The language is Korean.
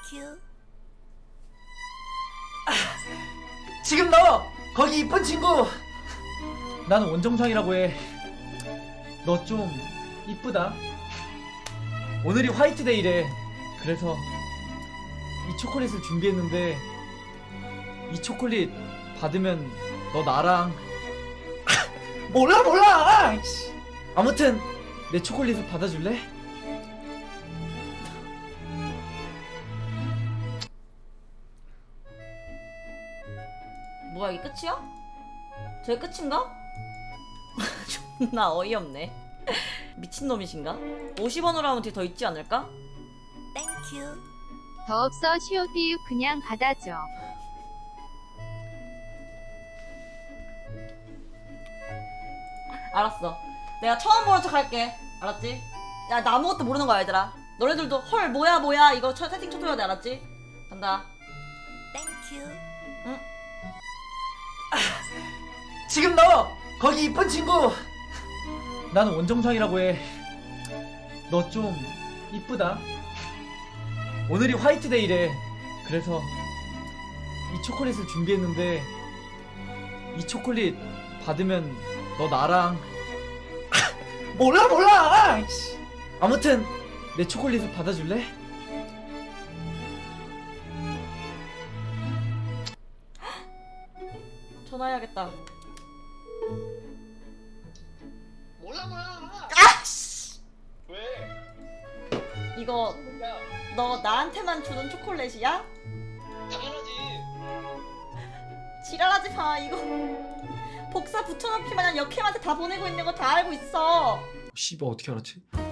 땡큐. 지금 너 거기 이쁜 친구 나는 원정상이라고 해. 너 좀 이쁘다. 오늘이 화이트데이래. 그래서 이 초콜릿을 준비했는데 이 초콜릿 받으면 너 나랑 몰라 아무튼 내 초콜릿을 받아줄래? 뭐야, 이게 끝이야? 저게 끝인가? 존나 어이없네. 미친놈이신가? 50원으로 하면 뒤에 더 있지 않을까? 땡큐. 더 없어 시오비유 그냥 받아줘. 알았어. 내가 처음 보는 척 할게. 알았지? 야, 나 아무것도 모르는 거야, 얘들아. 너네들도 헐 뭐야 이거 세팅 쳐줘야 돼. 알았지? 간다. 땡큐. 응? 지금 너 거기 이쁜 친구 나는 원정상이라고 해. 너 좀 이쁘다. 오늘이 화이트데이래. 그래서 이 초콜릿을 준비했는데 이 초콜릿 받으면 너 나랑 몰라 아무튼 내 초콜릿을 받아줄래? 전화해야겠다. 몰라. 아씨! 왜? 이거 야, 너 나한테만 주는 초콜릿이야? 당연하지. 지랄하지 마. 이거 복사 붙여넣기 마냥 역캠한테 다 보내고 있는 거 다 알고 있어. 씨발 어떻게 알았지?